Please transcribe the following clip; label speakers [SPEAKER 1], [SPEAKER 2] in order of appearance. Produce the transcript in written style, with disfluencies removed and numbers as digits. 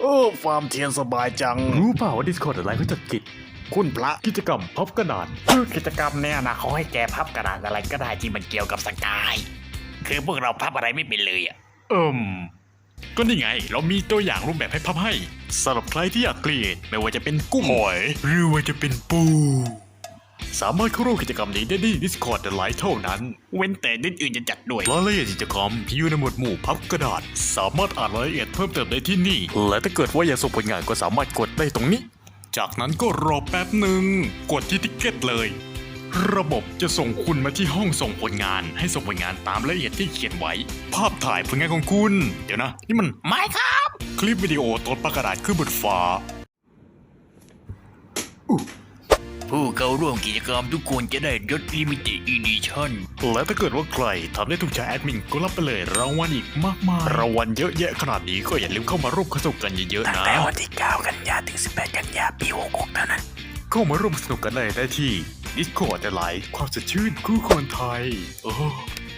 [SPEAKER 1] ฟาร์มเทียนสบายจัง
[SPEAKER 2] รู้เปล่าว่า Discord อะไรเขาจัดกิจ
[SPEAKER 1] คุณพระ
[SPEAKER 2] กิจกรรมพับกระดาษ
[SPEAKER 3] กิจกรรมเนี่ยนะเขาให้แกพับกระดาษอะไรก็ได้ที่มันเกี่ยวกับสกาย คือพวกเราพับอะไรไม่เป็นเลยอ่ะ
[SPEAKER 1] ก็นี่ไง เรามีตัวอย่างรูปแบบให้พับให้สำหรับใครที่อยากเกลียดไม่ว่าจะเป็นกุ้งหอยหรือว่าจะเป็นปู สามารถเข้าร่วมกิจกรรมนี้ได้ที่ Discord ไลท์เท่านั้น
[SPEAKER 3] เว้นแต่นิดอื่นจะจัดด้วย
[SPEAKER 1] รายละเอียดกิจกรรมที่อยู่ในหมวดหมู่พับกระดาษ สามารถอ่านรายละเอียดเพิ่มเติมได้ที่นี่ และถ้าเกิดว่าอยากส่งผลงานก็สามารถกดได้ตรงนี้ จากนั้นก็รอแป๊บหนึ่งกดที่ติ๊กเก็ตเลย ระบบจะส่งคุณมาที่ห้องส่งผลงาน ให้ส่งผลงานตามรายละเอียดที่เขียนไว้ ภาพถ่ายผลงานของคุณ เดี๋ยวนะ นี่มัน
[SPEAKER 3] ไม่ครับ
[SPEAKER 1] คลิปวิดีโอตอนประกระดาษขึ้นบนฟ้า
[SPEAKER 3] ผู้เข้าร่วมกิจกรรมทุกคนจะได้ยศลิมิเต็ดอีดิชั่น
[SPEAKER 1] และถ้าเกิดว่าใครทำได้ถูกใจแอดมินก็รับไปเลยรางวัลอีกมากมายรางวัลเยอะแยะขนาดนี้ก็อย่าลืมเข้ามาร่วมสนุกกันเยอะๆ
[SPEAKER 3] ตั้ง
[SPEAKER 1] นะ
[SPEAKER 3] แต่วันที่ 9 กันยาถึง 18 กันยาปี 66 เท่านั้น
[SPEAKER 1] เข้ามาร่วมสนุกกันได้ที่ Discord ไลฟ์ความสดชื่นคู่คนไทย